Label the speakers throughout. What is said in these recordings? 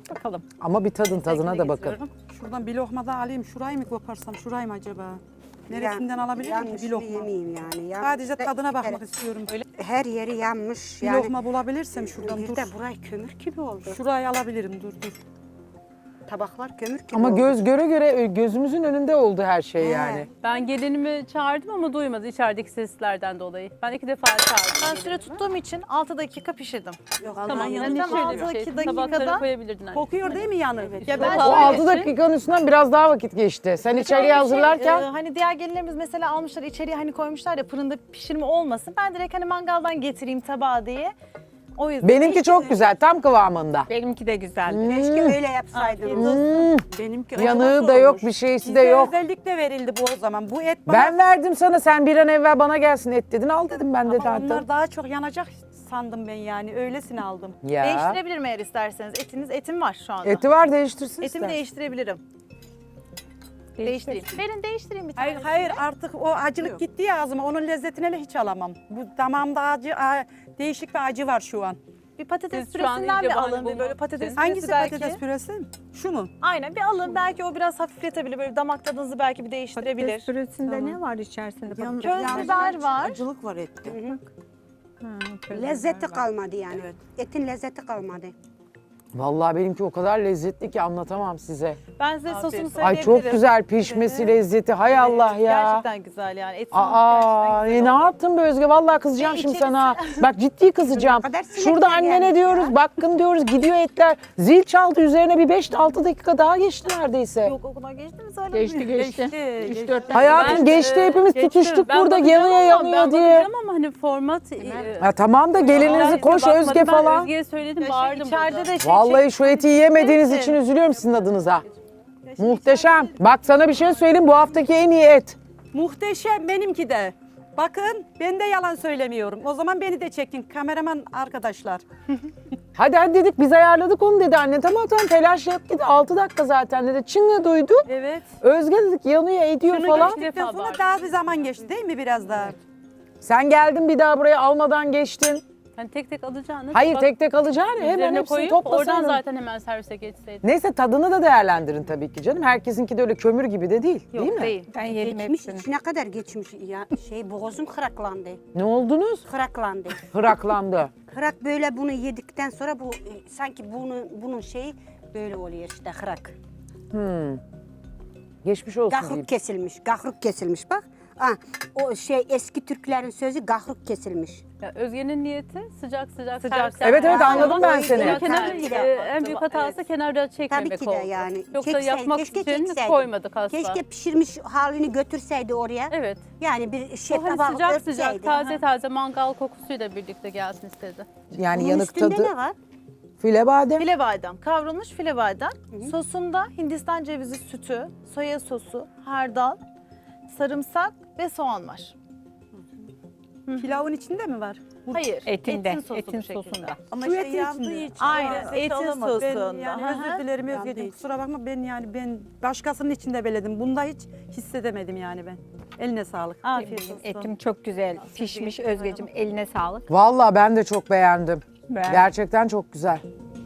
Speaker 1: Bakalım.
Speaker 2: Ama bir tadına da bakın.
Speaker 1: Getiriyorum.
Speaker 3: Şuradan bir lokma da alayım. Şurayı mı koparsam? Şurayı mı acaba? Neresinden alabilirim ki
Speaker 4: yanmış
Speaker 3: bir lokma?
Speaker 4: yemeyeyim yani.
Speaker 3: Sadece tadına bakmak
Speaker 4: Evet.
Speaker 3: istiyorum.
Speaker 4: Her yeri yanmış.
Speaker 3: Bir
Speaker 4: Yani
Speaker 3: lokma bulabilirsem şuradan
Speaker 4: bir
Speaker 3: dur.
Speaker 4: de burayı kömür gibi oldu.
Speaker 3: Şurayı alabilirim dur.
Speaker 4: Tabaklar kömür gibi
Speaker 2: Ama
Speaker 4: oldu.
Speaker 2: göz göre göre gözümüzün önünde oldu her şey
Speaker 4: He.
Speaker 2: yani.
Speaker 5: Ben gelinimi çağırdım ama duymadı içerideki seslerden dolayı. Ben 2 defa çağırdım
Speaker 6: Ben süre
Speaker 5: gelinimi.
Speaker 6: tuttuğum için 6 dakika pişirdim.
Speaker 4: Yok,
Speaker 5: Tamam,
Speaker 4: yanıyor.
Speaker 5: yani
Speaker 6: Tamam,
Speaker 5: şöyle bir şey.
Speaker 6: 6 dakikada-
Speaker 5: Tabaklara koyabilirdin anne.
Speaker 3: Kokuyor değil mi yanık?
Speaker 6: Ya ben
Speaker 2: O
Speaker 6: şöyle
Speaker 2: 6
Speaker 6: ki-
Speaker 2: dakikanın üstünden biraz daha vakit geçti. Sen içeriye hazırlarken
Speaker 6: hani diğer gelinlerimiz mesela almışlar içeriye hani koymuşlar ya fırında pişirme olmasın. Ben direkt hani mangaldan getireyim tabağa diye. O yüzden.
Speaker 2: benimki çok güzel, tam kıvamında.
Speaker 1: Benimki de güzel.
Speaker 4: Keşke öyle yapsaydınız.
Speaker 3: Benimki
Speaker 2: Yanığı
Speaker 3: acaba
Speaker 2: da yok,
Speaker 3: olmuş.
Speaker 2: bir şeysi de
Speaker 3: Bize
Speaker 2: yok.
Speaker 3: özellikle verildi bu o zaman. Bu et bana...
Speaker 2: Ben verdim sana, sen bir an evvel bana gelsin et dedin, al dedim ben de
Speaker 3: Ama
Speaker 2: zaten.
Speaker 3: onlar daha çok yanacak sandım ben yani. Öylesine aldım.
Speaker 2: Ya.
Speaker 6: Değiştirebilirim eğer isterseniz. Etim var şu anda.
Speaker 2: Eti var, değiştirsin
Speaker 6: Etimi
Speaker 2: istersen.
Speaker 6: değiştirebilirim. Değiştireyim. Verin değiştireyim bir tane.
Speaker 3: Hayır artık o acılık gitti ya ağzıma. Onun lezzetine de hiç alamam. Bu damağımda değişik bir acı var şu an.
Speaker 6: Bir patates
Speaker 5: Siz şu an
Speaker 6: püresinden
Speaker 5: iyice
Speaker 6: bir
Speaker 5: bahane
Speaker 6: alın. Bir böyle
Speaker 5: bulmak
Speaker 6: patates
Speaker 5: için.
Speaker 6: püresi
Speaker 3: Hangisi
Speaker 6: belki.
Speaker 3: patates püresi? Şu mu?
Speaker 6: Aynen bir alın. Belki o biraz hafifletebilir. Böyle damak tadınızı belki bir değiştirebilir.
Speaker 1: Patates püresinde ne var içerisinde?
Speaker 6: Köz biber var.
Speaker 7: Acılık var ette.
Speaker 4: Lezzeti kalmadı yani. Etin lezzeti kalmadı.
Speaker 2: Vallahi benimki o kadar lezzetli ki anlatamam size.
Speaker 6: Ben size sosunu
Speaker 5: olsun.
Speaker 6: söyleyebilirim.
Speaker 2: Ay çok güzel pişmesi, lezzeti. Hay Allah ya.
Speaker 6: Gerçekten güzel yani. Et
Speaker 2: Aa,
Speaker 6: gerçekten
Speaker 2: ne
Speaker 6: güzel oldu.
Speaker 2: yaptın be Özge? Vallahi kızacağım
Speaker 4: Ve
Speaker 2: şimdi
Speaker 4: içerisi-
Speaker 2: sana. Bak ciddi kızacağım.
Speaker 4: kadar sinekler
Speaker 2: Şurada annene
Speaker 4: gelmiş
Speaker 2: diyoruz,
Speaker 4: ya.
Speaker 2: bakın diyoruz, gidiyor etler. Zil çaldı, üzerine bir 5-6 dakika daha geçti neredeyse.
Speaker 6: Yok o kadar geçti mi söyle.
Speaker 1: Geçti. 3-4
Speaker 2: Hayatım
Speaker 5: Ben,
Speaker 2: geçti, hepimiz
Speaker 5: geçtim.
Speaker 2: tutuştuk
Speaker 5: Ben
Speaker 2: burada
Speaker 5: bakacağım
Speaker 2: yanıyor
Speaker 5: ama-
Speaker 2: yanıyor
Speaker 5: ben
Speaker 2: diye.
Speaker 5: bakacağım ama hani format...
Speaker 2: Ha, tamam da gelininizi
Speaker 5: Ben
Speaker 2: koş
Speaker 5: bakmadım,
Speaker 2: Özge
Speaker 5: ben
Speaker 2: falan.
Speaker 5: Özge'ye söyledim, bağırdım
Speaker 6: İçeride
Speaker 5: burada.
Speaker 6: de
Speaker 2: Vallahi şu eti yemediğiniz için üzülüyorum sizin adınıza. Muhteşem. Bak sana bir şey söyleyeyim, bu haftaki en iyi et.
Speaker 3: Muhteşem benimki de. Bakın ben de yalan söylemiyorum. O zaman beni de çekin kameraman arkadaşlar.
Speaker 2: Hadi dedik, biz ayarladık onu dedi anne. Tamam telaş yok dedi, 6 dakika zaten dedi. Çin'le duydu.
Speaker 3: Evet.
Speaker 2: Özge dedik yanıyor ediyor
Speaker 5: Şunu
Speaker 2: falan.
Speaker 5: geçti.
Speaker 3: Geçtikten sonra
Speaker 5: bağırdım.
Speaker 3: daha bir zaman geçti değil mi biraz daha?
Speaker 2: Sen geldin bir daha buraya almadan geçtin.
Speaker 5: Hani tek tek alacağını...
Speaker 2: Hayır
Speaker 5: bak,
Speaker 2: tek tek alacağını hemen
Speaker 5: üzerine
Speaker 2: hepsini
Speaker 5: koyup
Speaker 2: toplasan.
Speaker 5: oradan zaten hemen servise geçseydim.
Speaker 2: Neyse tadını da değerlendirin tabii ki canım. Herkesinki de öyle kömür gibi de değil.
Speaker 6: Yok
Speaker 2: değil mi?
Speaker 6: değil.
Speaker 1: Ben yedim
Speaker 4: Geçmiş,
Speaker 1: hepsini.
Speaker 4: içine kadar geçmiş. Ya boğazım kıraklandı.
Speaker 2: Ne oldunuz?
Speaker 4: Kıraklandı.
Speaker 2: Hıraklandı.
Speaker 4: Kırak böyle bunu yedikten sonra bu sanki bunun şeyi böyle oluyor işte kırak.
Speaker 2: Geçmiş olsun diyeyim.
Speaker 4: Gahruk kesilmiş. Gahruk kesilmiş bak. Ah, o şey eski Türklerin sözü gahruk kesilmiş.
Speaker 5: Ya Özge'nin niyeti sıcak sıcak
Speaker 6: Sıcak.
Speaker 5: servis
Speaker 2: Evet
Speaker 5: yapmak.
Speaker 2: anladım ben seni.
Speaker 5: Ama kenar,
Speaker 4: Tabii ki de.
Speaker 5: en büyük hatası kenarda çekmemek
Speaker 4: Tabii ki de
Speaker 5: oldu.
Speaker 4: yani.
Speaker 5: Yoksa
Speaker 4: Çekseydi,
Speaker 5: yapmak
Speaker 4: keşke
Speaker 5: için
Speaker 4: çekseydi.
Speaker 5: koymadık asla.
Speaker 4: Keşke pişirmiş halini götürseydi oraya.
Speaker 5: Evet.
Speaker 4: Yani bir şey
Speaker 5: O hani
Speaker 4: tabağı
Speaker 5: sıcak
Speaker 4: örtseydi.
Speaker 5: sıcak taze taze mangal kokusuyla birlikte gelsin istedi.
Speaker 2: Yani
Speaker 4: Bunun
Speaker 2: yanık
Speaker 4: üstünde
Speaker 2: tadı.
Speaker 4: ne var?
Speaker 2: File badem.
Speaker 6: File badem, kavrulmuş file badem. Sosunda Hindistan cevizi sütü, soya sosu, hardal, sarımsak ve soğan var.
Speaker 3: Pilavın içinde mi var?
Speaker 6: Hayır,
Speaker 1: Etinde,
Speaker 6: etin sosu
Speaker 1: etin
Speaker 6: bu şekilde.
Speaker 1: sosunda.
Speaker 3: Ama
Speaker 7: Şu
Speaker 3: şey
Speaker 7: etin
Speaker 3: yandığı
Speaker 7: içinde.
Speaker 3: için.
Speaker 6: Aynen,
Speaker 3: lezzeti
Speaker 6: etin
Speaker 3: alamadım.
Speaker 6: sosunda.
Speaker 3: Ben yani
Speaker 6: Hı hı.
Speaker 3: özür dilerim Özgeciğim kusura bakma ben başkasının içinde beledim. Bunda hiç hissedemedim yani ben. Eline sağlık.
Speaker 6: Afiyet olsun.
Speaker 1: Etim çok güzel pişmiş Özgeciğim. Eline sağlık.
Speaker 2: Vallahi ben de çok beğendim.
Speaker 1: Ben-
Speaker 2: Gerçekten çok güzel.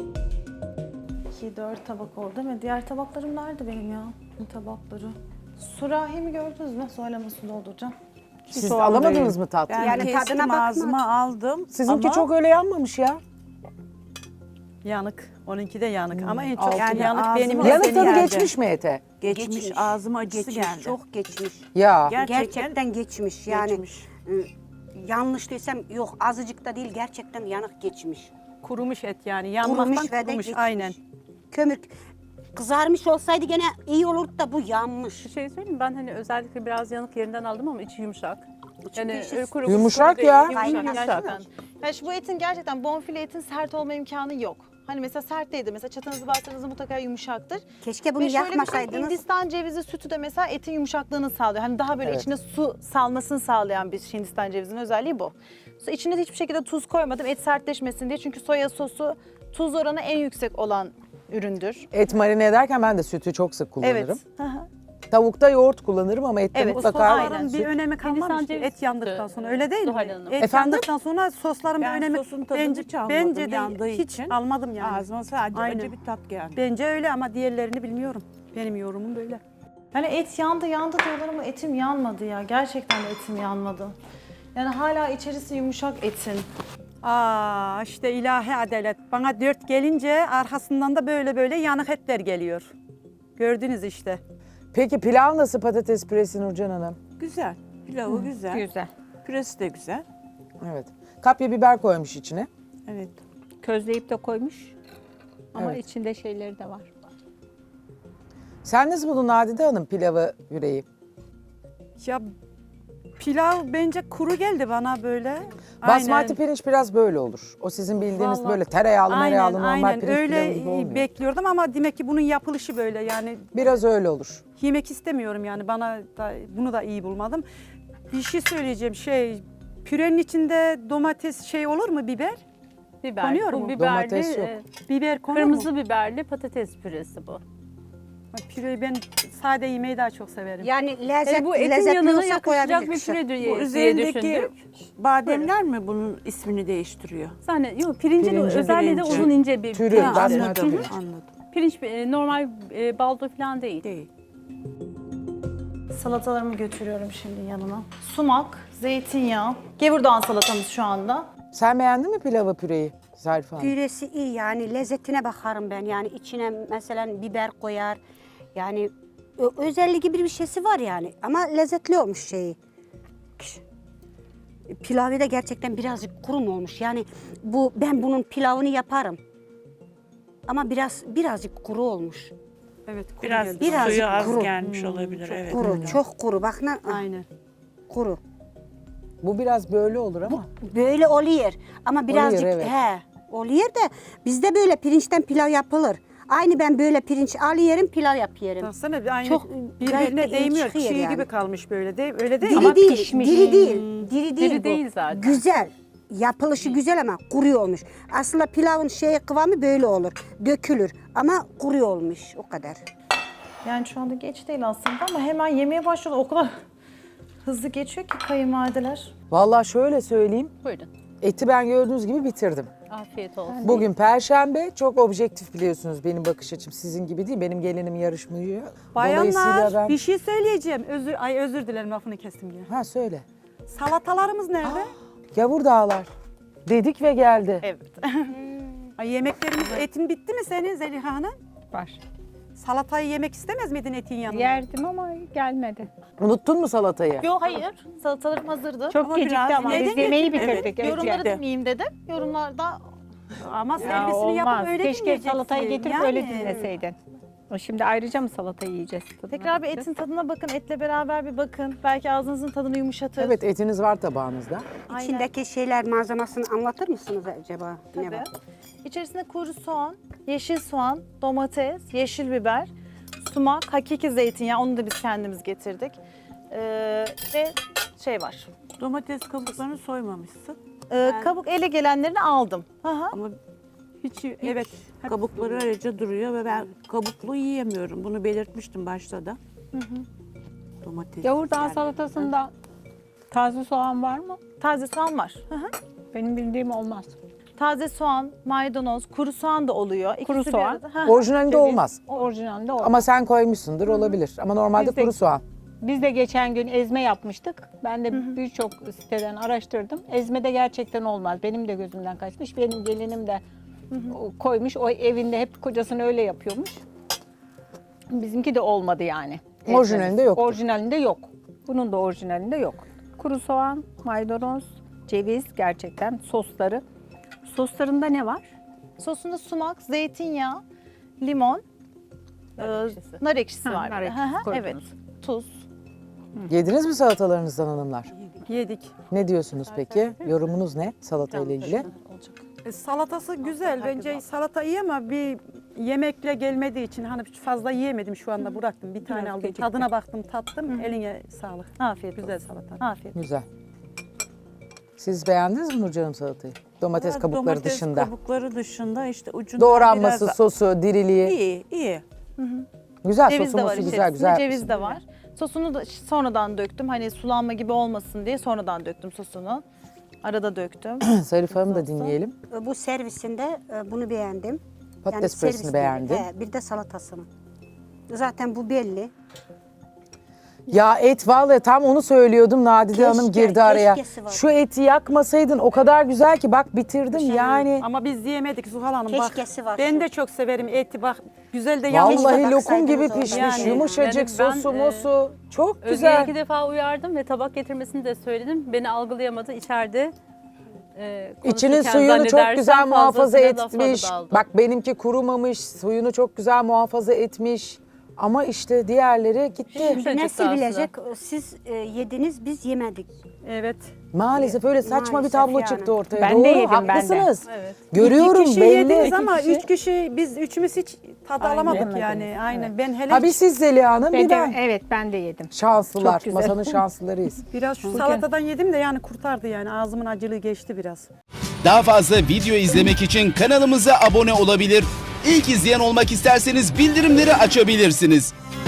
Speaker 6: 2-4 tabak oldu değil mi? Diğer tabaklarım nerede benim ya? Bu tabakları. Sürahimi gördünüz mü? Söyleme su dolduracağım.
Speaker 2: Siz
Speaker 1: soğan
Speaker 2: alamadınız
Speaker 1: değil.
Speaker 2: mı tatlı?
Speaker 7: Ben
Speaker 4: Yani
Speaker 7: kestim
Speaker 4: tadına bakmadım.
Speaker 7: ağzıma aldım.
Speaker 2: Sizinki
Speaker 7: ama
Speaker 2: çok öyle yanmamış ya.
Speaker 3: Yanık. Onunki de yanık ama en çok
Speaker 7: Yani
Speaker 3: yanık
Speaker 7: ağzıma-
Speaker 3: benim.
Speaker 7: Yanık
Speaker 2: Yanık
Speaker 3: senin
Speaker 2: tadı
Speaker 3: yerde.
Speaker 2: geçmiş mi ete?
Speaker 7: geçmiş ağzıma acısı
Speaker 4: Geçmiş,
Speaker 7: geldi.
Speaker 4: çok geçmiş.
Speaker 2: Ya.
Speaker 4: Gerçekten geçmiş. Yani
Speaker 7: geçmiş.
Speaker 4: yanlış desem yok azıcık da değil gerçekten yanık geçmiş.
Speaker 3: Kurumuş et yani. Yanmaktan
Speaker 4: Kurumuş ve de
Speaker 3: kurumuş.
Speaker 4: geçmiş.
Speaker 3: Aynen.
Speaker 4: Kömür kızarmış olsaydı gene iyi olurdu da bu yanmış.
Speaker 5: Bir şey söyleyeyim mi? Ben hani özellikle biraz yanık yerinden aldım ama içi yumuşak. Yani
Speaker 4: işte
Speaker 5: öyle kuru
Speaker 2: Yumuşak
Speaker 5: kuru
Speaker 2: ya.
Speaker 5: değil,
Speaker 4: Aynen.
Speaker 5: Yumuşak gerçekten.
Speaker 6: Yani şu bu etin gerçekten bonfile etin sert olma imkanı yok. Hani mesela sert değildir. Mesela çatanızı bastığınızda mutlaka yumuşaktır.
Speaker 4: Keşke bunu
Speaker 6: Ve şöyle bir şey,
Speaker 4: yakmasaydınız.
Speaker 6: Hindistan cevizi sütü de mesela etin yumuşaklığını sağlıyor. Hani daha böyle
Speaker 2: Evet.
Speaker 6: içine su salmasını sağlayan bir Hindistan cevizinin özelliği bu. İçine de hiçbir şekilde tuz koymadım et sertleşmesin diye. Çünkü soya sosu tuz oranı en yüksek olan üründür.
Speaker 2: Et marine ederken ben de sütü çok sık kullanırım.
Speaker 6: Evet. Hı hı.
Speaker 2: Tavukta yoğurt kullanırım ama ette
Speaker 6: Evet,
Speaker 2: mutlaka
Speaker 3: Sosların
Speaker 2: süt.
Speaker 3: bir önemi kalmamış
Speaker 5: Hindistan
Speaker 3: ki
Speaker 5: cevizi
Speaker 3: et yandıktan
Speaker 5: sütü.
Speaker 3: sonra öyle değil mi?
Speaker 5: Zuhal Hanım.
Speaker 3: Et
Speaker 2: Efendim?
Speaker 3: yandıktan sonra sosların bir
Speaker 7: Ben
Speaker 3: önemi
Speaker 7: sosun tadını hiç almadım
Speaker 3: bence de
Speaker 7: yandığı
Speaker 3: hiç
Speaker 7: için.
Speaker 3: almadım yani.
Speaker 7: Ağzıma sadece
Speaker 3: Aynen.
Speaker 7: acı bir tat geldi.
Speaker 3: Bence öyle ama diğerlerini bilmiyorum. Benim yorumum böyle.
Speaker 6: Yani et yandı diyorlar ama etim yanmadı ya. Gerçekten de etim yanmadı. Yani hala içerisi yumuşak etin.
Speaker 3: Aa işte ilahi adalet. Bana 4 gelince arkasından da böyle yanık etler geliyor. Gördünüz işte.
Speaker 2: Peki pilav nasıl patates püresi Nurcan Hanım?
Speaker 7: Güzel. Pilavı güzel.
Speaker 1: Güzel.
Speaker 7: Püresi de güzel.
Speaker 2: Evet. Kapya biber koymuş içine.
Speaker 7: Evet.
Speaker 1: Közleyip de koymuş. Ama
Speaker 2: Evet.
Speaker 1: içinde şeyleri de var.
Speaker 2: Sen nasıl buldun Nadide Hanım pilavı, yüreği?
Speaker 3: Ya pilav bence kuru geldi bana böyle.
Speaker 2: Basmati
Speaker 3: Aynen.
Speaker 2: pirinç biraz böyle olur. O sizin bildiğiniz
Speaker 3: Vallahi-
Speaker 2: böyle tereyağlı mereyağlı normal
Speaker 3: aynen.
Speaker 2: pirinç pilavı gibi
Speaker 3: Öyle
Speaker 2: olmuyor.
Speaker 3: bekliyordum ama demek ki bunun yapılışı böyle yani
Speaker 2: Biraz öyle olur.
Speaker 3: yemek istemiyorum yani bana da bunu da iyi bulmadım. Bir şey söyleyeceğim pürenin içinde domates olur mu biber?
Speaker 5: Biber.
Speaker 3: Konuyor
Speaker 5: Bu
Speaker 3: mu?
Speaker 5: biberli,
Speaker 2: Domates yok.
Speaker 3: Biber konur
Speaker 5: kırmızı
Speaker 3: mu?
Speaker 5: biberli patates püresi bu.
Speaker 3: Püreyi ben sade yemeği daha çok severim.
Speaker 4: Yani lezzet,
Speaker 5: Bu etin
Speaker 4: lezzetli
Speaker 5: yanına
Speaker 4: olsa
Speaker 5: yakışacak
Speaker 4: koyabilir
Speaker 5: bir
Speaker 4: kişi.
Speaker 5: püre
Speaker 7: Bu
Speaker 5: diye
Speaker 7: üzerindeki
Speaker 5: düşündük.
Speaker 7: bademler mi bunun ismini değiştiriyor?
Speaker 5: Yok pirincin
Speaker 2: Pirinci.
Speaker 5: özelliği de
Speaker 7: Pirinci.
Speaker 5: uzun ince bir
Speaker 2: Türü,
Speaker 5: pirinç.
Speaker 2: basmati
Speaker 7: Anladım,
Speaker 2: pirinç.
Speaker 7: anladım.
Speaker 5: Pirinç normal baldo falan değil.
Speaker 7: Değil.
Speaker 6: Salatalarımı götürüyorum şimdi yanına. Sumak, zeytinyağı, gevurdağ salatamız şu anda.
Speaker 2: Sen beğendin mi pilavı, püreyi Zarife Hanım?
Speaker 4: Püresi iyi yani lezzetine bakarım ben. Yani içine mesela biber koyar. Yani özelliği gibi bir şeysi var yani. Ama lezzetli olmuş şeyi. Pilavı da gerçekten birazcık kuru mu olmuş? Yani ben bunun pilavını yaparım. Ama birazcık kuru olmuş.
Speaker 3: Evet kuru
Speaker 7: Biraz
Speaker 3: geldi.
Speaker 4: Birazcık
Speaker 7: suyu az
Speaker 4: kuru.
Speaker 7: gelmiş olabilir. Evet.
Speaker 4: Kuru, çok kuru. Bak
Speaker 3: Aynen.
Speaker 4: kuru.
Speaker 2: Bu biraz böyle olur ama.
Speaker 4: Böyle oluyor. Ama birazcık
Speaker 2: evet.
Speaker 4: oluyor da bizde böyle pirinçten pilav yapılır. Aynı ben böyle pirinç alıyorum, pilav yapıyorum.
Speaker 3: Baksana aynı
Speaker 4: Çok gayet
Speaker 3: birbirine
Speaker 4: de iyi
Speaker 3: değmiyor.
Speaker 4: çıkıyor
Speaker 3: Çiğ
Speaker 4: yani.
Speaker 3: gibi kalmış böyle değil öyle değil mi?
Speaker 4: Diri
Speaker 1: Ama
Speaker 4: değil,
Speaker 1: pişmiş.
Speaker 4: diri değil. Diri değil
Speaker 5: Diri
Speaker 4: bu.
Speaker 5: değil zaten.
Speaker 4: Güzel. Yapılışı güzel ama kuru olmuş. Aslında pilavın kıvamı böyle olur. Dökülür ama kuru olmuş o kadar.
Speaker 6: Yani şu anda geç değil aslında ama hemen yemeye başladı. O kadar hızlı geçiyor ki kayınvalideler.
Speaker 2: Vallahi şöyle söyleyeyim.
Speaker 5: Buyurun.
Speaker 2: Eti ben gördüğünüz gibi bitirdim.
Speaker 5: Afiyet olsun.
Speaker 2: Bugün Perşembe, çok objektif biliyorsunuz benim bakış açım. Sizin gibi değil, benim gelinim yarışmıyor. Dolayısıyla
Speaker 3: Bayanlar
Speaker 2: ben...
Speaker 3: bir şey söyleyeceğim. Özür dilerim lafını kestim yine.
Speaker 2: Ha söyle.
Speaker 3: Salatalarımız nerede?
Speaker 2: Gavurdağlar. Dedik ve geldi.
Speaker 5: Evet.
Speaker 3: Ay, yemeklerimiz etin bitti mi senin Zeliha Hanım?
Speaker 1: Var.
Speaker 3: Salatayı yemek istemez miydin etin yanında?
Speaker 1: Yerdim ama gelmedi.
Speaker 2: Unuttun mu salatayı?
Speaker 6: Yok hayır. Salatalarım hazırdı.
Speaker 1: Çok
Speaker 7: Ama
Speaker 1: gecikti
Speaker 7: biraz
Speaker 1: ama
Speaker 7: yedin
Speaker 1: biz
Speaker 7: mi?
Speaker 1: yemeği
Speaker 7: Evet.
Speaker 1: bitirdik. Evet,
Speaker 6: Yorumları
Speaker 1: yani.
Speaker 6: dinleyeyim dedim. Yorumlarda
Speaker 3: Ama
Speaker 1: Ya
Speaker 3: servisini yapıp
Speaker 1: olmaz.
Speaker 3: öyle
Speaker 1: Keşke
Speaker 3: dinleyeceksin.
Speaker 1: salatayı getirip
Speaker 3: Yani.
Speaker 1: öyle dinleseydin. O şimdi ayrıca mı salatayı yiyeceğiz? Tadına
Speaker 6: tekrar bir
Speaker 1: bakacağız.
Speaker 6: etin tadına bakın. Etle beraber bir bakın. Belki ağzınızın tadını yumuşatır.
Speaker 2: Evet, etiniz var tabağınızda.
Speaker 6: Aynen.
Speaker 4: İçindeki malzemesini anlatır mısınız acaba? Ne
Speaker 6: Tabii.
Speaker 4: var?
Speaker 6: İçerisinde kuru soğan, yeşil soğan, domates, yeşil biber, sumak, hakiki zeytinyağı. Onu da biz kendimiz getirdik. Ve var.
Speaker 7: Domates kabuklarını soymamışsın.
Speaker 6: Kabuk ele gelenlerini aldım. Aha.
Speaker 7: Ama
Speaker 3: Hiç, evet.
Speaker 7: kabukları ayrıca duruyor ve ben kabuklu yiyemiyorum. Bunu belirtmiştim başta da. Domates.
Speaker 1: Yavurdağ
Speaker 7: yani.
Speaker 1: salatasında taze soğan var mı?
Speaker 6: Taze soğan var. Aha.
Speaker 1: Benim bildiğim olmaz.
Speaker 6: Taze soğan, maydanoz, kuru soğan da oluyor. İkisi
Speaker 1: Kuru
Speaker 6: bir
Speaker 1: soğan.
Speaker 6: arada. Ha.
Speaker 2: Orijinalinde
Speaker 1: Ceviz,
Speaker 2: olmaz.
Speaker 1: Orijinalinde olmaz.
Speaker 2: Ama sen koymuşsundur, olabilir. Ama normalde
Speaker 1: Biz de-
Speaker 2: kuru soğan.
Speaker 1: Biz de geçen gün ezme yapmıştık. Ben de birçok siteden araştırdım. Ezme de gerçekten olmaz. Benim de gözümden kaçmış. Benim gelinim de koymuş. O evinde hep kocasını öyle yapıyormuş. Bizimki de olmadı yani.
Speaker 2: Orijinalinde yoktur.
Speaker 1: Orijinalinde yok. Bunun da orijinalinde yok. Kuru soğan, maydanoz, ceviz gerçekten sosları. Soslarında ne var?
Speaker 6: Sosunda sumak, zeytinyağı, limon, nar ekşisi
Speaker 1: Ha,
Speaker 6: var.
Speaker 1: nar
Speaker 6: bir de.
Speaker 1: ekşisi
Speaker 6: Hı hı,
Speaker 1: koydunuz.
Speaker 6: evet, tuz.
Speaker 2: Yediniz mi salatalarınızdan hanımlar?
Speaker 3: Yedik.
Speaker 2: Ne diyorsunuz peki? Yorumunuz ne salata ile ilgili?
Speaker 3: Salatası güzel. Bence salata iyi ama bir yemekle gelmediği için hani fazla yiyemedim şu anda bıraktım. Bir tane
Speaker 1: Biraz
Speaker 3: aldım.
Speaker 1: gecikti.
Speaker 3: Tadına baktım, tattım. Eline sağlık.
Speaker 6: Afiyet
Speaker 3: Güzel
Speaker 6: olsun.
Speaker 3: salata.
Speaker 6: Afiyet.
Speaker 2: Güzel. Siz beğendiniz mi Nurcan'ım salatayı? Domates
Speaker 7: Evet,
Speaker 2: kabukları
Speaker 7: domates
Speaker 2: dışında.
Speaker 7: kabukları dışında işte ucunda
Speaker 2: Doğranması,
Speaker 7: biraz
Speaker 2: sosu, diriliği.
Speaker 7: iyi, iyi.
Speaker 2: Güzel,
Speaker 6: Ceviz de var
Speaker 2: sosu güzel,
Speaker 6: içerisinde.
Speaker 2: güzel.
Speaker 6: Ceviz de var. Sosunu da sonradan döktüm. Hani sulanma gibi olmasın diye sonradan döktüm sosunu. Arada döktüm.
Speaker 2: Zarif Hanım da dinleyelim.
Speaker 4: Bu servisinde bunu beğendim.
Speaker 2: Patates püresini
Speaker 4: servis
Speaker 2: beğendi.
Speaker 4: değil, bir de salatasını. Zaten bu belli.
Speaker 2: Ya et vallahi tam onu söylüyordum. Nadide Hanım girdi araya.
Speaker 4: keşkesi var.
Speaker 2: Şu eti yakmasaydın o kadar güzel ki bak bitirdim yani.
Speaker 3: Ama biz yiyemedik Zuhal Hanım.
Speaker 4: Keşkesi var.
Speaker 3: Ben de çok severim eti bak. Güzel de yanmış.
Speaker 2: Vallahi
Speaker 4: da
Speaker 2: lokum gibi
Speaker 4: baksaydınız
Speaker 2: pişmiş,
Speaker 4: orada.
Speaker 3: Yani,
Speaker 2: yumuşacık,
Speaker 5: yani ben,
Speaker 2: sosu mosu. Çok
Speaker 5: Özge'ye
Speaker 2: güzel.
Speaker 5: 2 defa uyardım ve tabak getirmesini de söyledim. Beni algılayamadı. İçeride
Speaker 2: İçinin
Speaker 5: konuşurken
Speaker 2: suyunu çok
Speaker 5: zannedersem
Speaker 2: güzel muhafaza
Speaker 5: fazlasıyla lafa
Speaker 2: etmiş.
Speaker 5: daldı.
Speaker 2: Bak benimki kurumamış, suyunu çok güzel muhafaza etmiş. Ama işte diğerleri gitti.
Speaker 5: Yumuşacık
Speaker 4: Nasıl
Speaker 5: da
Speaker 4: bilecek? Siz yediniz, biz yemedik.
Speaker 3: Evet.
Speaker 2: Maalesef öyle saçma bir
Speaker 4: Maalesef
Speaker 2: tablo
Speaker 4: yani.
Speaker 2: çıktı ortaya.
Speaker 1: Ben de
Speaker 2: Doğru,
Speaker 1: yedim, ben de.
Speaker 2: haklısınız.
Speaker 5: Evet.
Speaker 2: Görüyorum
Speaker 3: 2 kişi
Speaker 2: belli.
Speaker 3: yediniz ama
Speaker 1: kişi.
Speaker 3: 3 kişi biz üçümüz hiç tad alamadık
Speaker 1: Yemediniz.
Speaker 3: yani. Aynen. Ben hele
Speaker 2: Ha bir siz Zeliha Hanım bir ben.
Speaker 1: Evet ben de yedim.
Speaker 2: Şanslılar.
Speaker 1: Çok güzel.
Speaker 2: Masanın şanslılarıyız.
Speaker 3: biraz şu salatadan yedim de yani kurtardı yani. Ağzımın acılığı geçti biraz.
Speaker 8: Daha fazla video izlemek için kanalımıza abone olabilir. İlk izleyen olmak isterseniz bildirimleri açabilirsiniz.